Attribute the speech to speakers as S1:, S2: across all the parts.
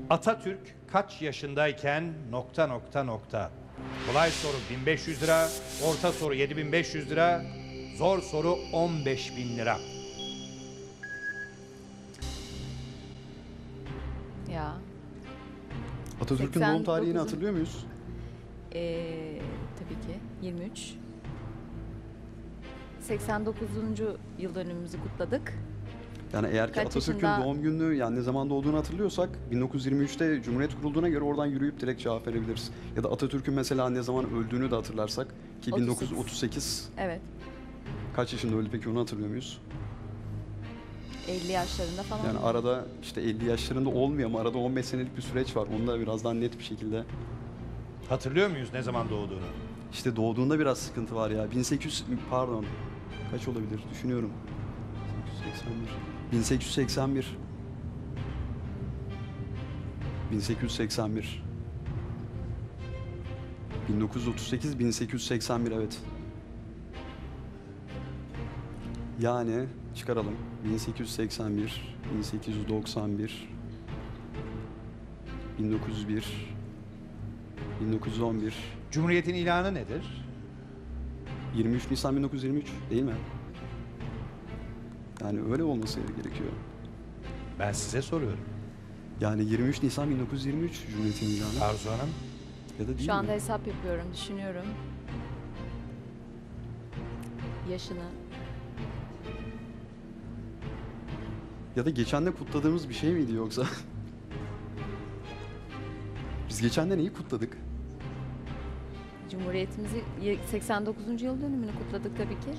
S1: Atatürk kaç yaşındayken ... Kolay soru 1500 lira, orta soru 7500 lira, zor soru 15.000 lira.
S2: Ya.
S3: Atatürk'ün doğum tarihini
S2: 89'un
S3: hatırlıyor muyuz?
S2: Tabii ki 23. 89. yıl dönümümüzü kutladık.
S3: Yani eğer ki
S2: Kaç
S3: Atatürk'ün
S2: yaşında?
S3: doğum gününü yani ne zaman doğduğunu hatırlıyorsak 1923'te Cumhuriyet kurulduğuna göre oradan yürüyüp direkt cevap verebiliriz. Ya da Atatürk'ün mesela ne zaman öldüğünü de hatırlarsak ki
S2: 38.
S3: 1938
S2: Evet.
S3: kaç yaşında öldü peki onu hatırlıyor muyuz?
S2: 50 yaşlarında falan.
S3: Yani arada işte 50 yaşlarında olmuyor ama arada 15 senelik bir süreç var. Onu da biraz daha net bir şekilde.
S1: Hatırlıyor muyuz ne zaman doğduğunu?
S3: İşte doğduğunda biraz sıkıntı var ya. 1800 pardon. Kaç olabilir? Düşünüyorum. 1881. 1881. 1938 1881 evet. Yani çıkaralım. 1881, 1891, 1901, 1911,
S1: Cumhuriyet'in ilanı nedir?
S3: 23 Nisan 1923 değil mi? Yani öyle olması gerekiyor.
S1: Ben size soruyorum.
S3: Yani 23 Nisan 1923 Cumhuriyet'in ilanı.
S1: Arzu Hanım,
S3: Ya da değil
S2: Şu anda
S3: mi?
S2: hesap yapıyorum, düşünüyorum. Yaşını.
S3: Ya da geçen de kutladığımız bir şey miydi yoksa? Biz geçen de neyi kutladık?
S2: Cumhuriyetimizi 89. yıl dönümünü kutladık tabii ki.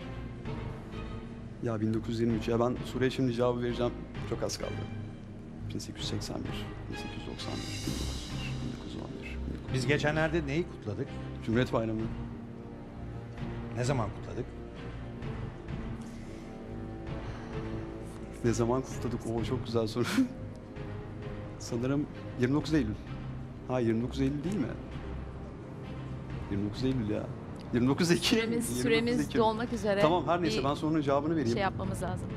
S3: Ya 1923. Ya ben soruya şimdi cevabı vereceğim. Çok az kaldı. 1881, 1891, 1911.
S1: biz geçenlerde neyi kutladık?
S3: Cumhuriyet Bayramı.
S1: Ne zaman kutladık?
S3: Ne zaman kutladık? Oo çok güzel soru. Sanırım 29 Eylül. Ha 29 Eylül değil mi? 29 Eylül ya. 29 Ekim.
S2: Süremiz,
S3: 29
S2: süremiz
S3: Ekim.
S2: dolmak üzere.
S3: Tamam her neyse
S2: Bir
S3: ben sorunun cevabını vereyim.
S2: şey yapmamız lazım.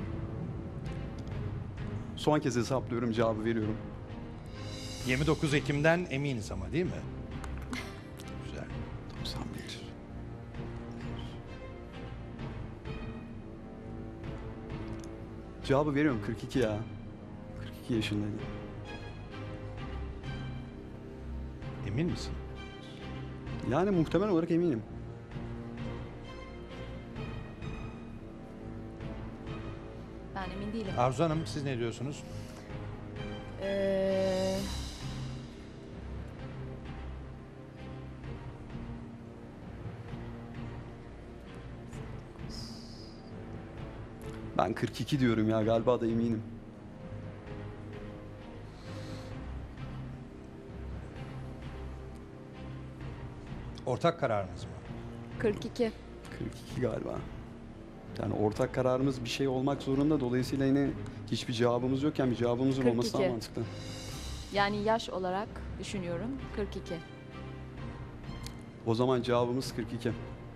S3: Son kez hesaplıyorum cevabı veriyorum.
S1: 29 Ekim'den eminiz ama değil mi? Güzel.
S3: 91. Cevabı veriyorum 42 ya. 42 yaşındaydım.
S1: Emin misin?
S3: Yani muhtemel olarak eminim.
S2: Ben emin değilim.
S1: Arzu Hanım siz ne diyorsunuz?
S2: Ee,
S3: Ben 42 diyorum ya galiba da eminim.
S1: Ortak kararınız mı?
S2: 42.
S3: 42 galiba. Yani ortak kararımız bir şey olmak zorunda. Dolayısıyla yine hiçbir cevabımız yokken bir cevabımızın olması daha
S2: 42.
S3: mantıklı.
S2: Yani yaş olarak düşünüyorum 42.
S3: O zaman cevabımız 42.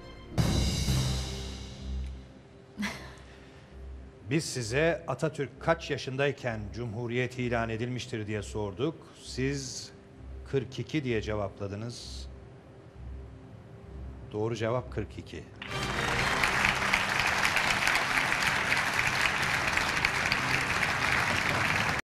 S1: Biz size Atatürk kaç yaşındayken Cumhuriyet ilan edilmiştir diye sorduk. Siz 42 diye cevapladınız. Doğru cevap 42.